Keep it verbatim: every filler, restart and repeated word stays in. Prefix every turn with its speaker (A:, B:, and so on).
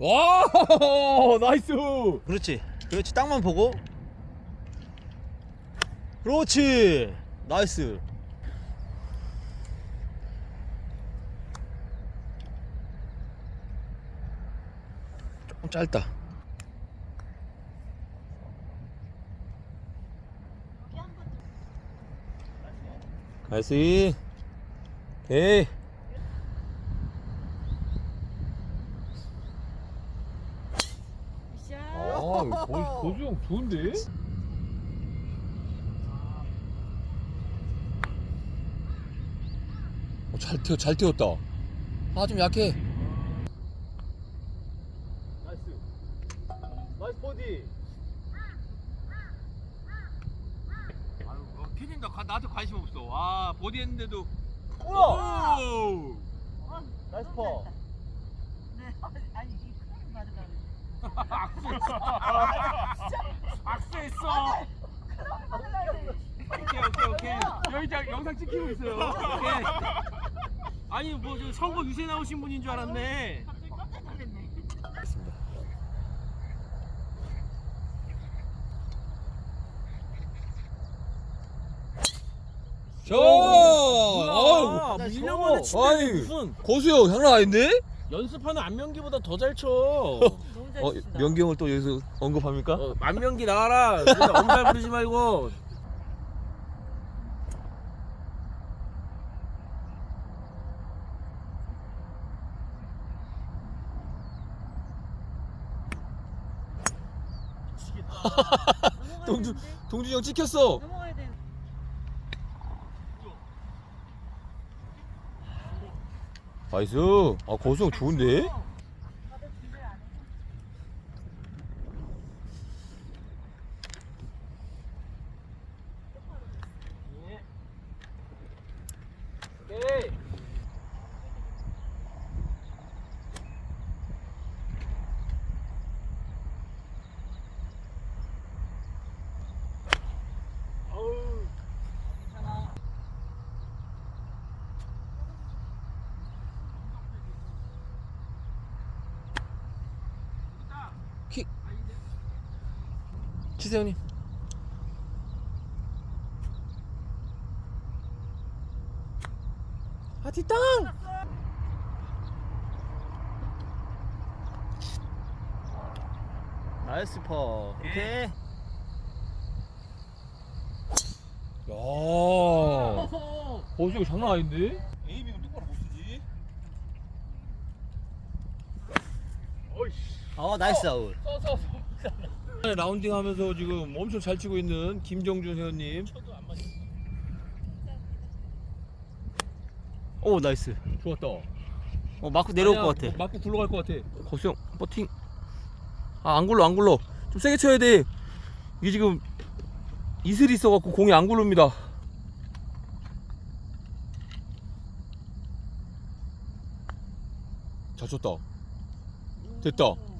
A: 와 나이스.
B: 그렇지 그렇지 땅만 보고. 그렇지 나이스.
A: 조금 짧다. 나이스. 오케이. 아, 고, 고수형 좋은데? 어, 잘 튀어, 잘 튀었다. 아, 좀 약해.
B: 나이스 나이스 버디.
C: 아유, 어, 피디님 나 가- 나한테 관심 없어. 와 보디 했는데도.
B: 우와
C: 오!
B: 나이스 퍼.
D: 네, 아니 이 크림 받으라
C: 악수했어. 오케이 오케이 오케이. 여기 자, 영상 찍히고 있어요. 오케이. 아니 뭐 저 선거 유세 나오신 분인 줄 알았네.
D: 갑자기 깜짝 놀랐네.
A: 자, 어우,
C: 아,
B: 밀려버려,
C: 밀려버려.
A: 아니,
C: 무슨
A: 고수형 장난 아닌데?
C: 연습하는 안명기보다 더 잘 쳐.
D: 너무 잘
A: 어,
D: 치신다.
A: 명기 형을 또 여기서 언급합니까?
C: 어, 안명기 나가라. 그래서 엄살 부리지 말고.
D: 넘어가야
A: 동주,
D: 되는데?
A: 동준이 형 찍혔어.
D: 넘어가야 되는데.
A: 나이스. 아, 고수형 좋은데?
D: 다들 준비를 안 해.
C: 오케이. 어우.
D: 괜찮아.
A: 킥. 치세요, 형님. 아, 뒷땅!
B: 나이스 퍼. 오케이.
A: 야, 고수형 장난 아닌데?
C: 에이밍은 똑바로 못 쓰지.
B: 어 나이스 아웃.
A: 라운딩 하면서 지금 엄청 잘 치고 있는 김정준 회원님.
B: 오 나이스.
A: 좋았다.
B: 어 마크 내려올
A: 아니야,
B: 것 같아.
A: 뭐 맞고 굴러갈 것 같아. 고수형, 버팅. 아, 안 굴러, 안 굴러. 좀 세게 쳐야 돼. 이게 지금 이슬이 있어갖고 공이 안 굴릅니다. 잘 쳤다. 됐다.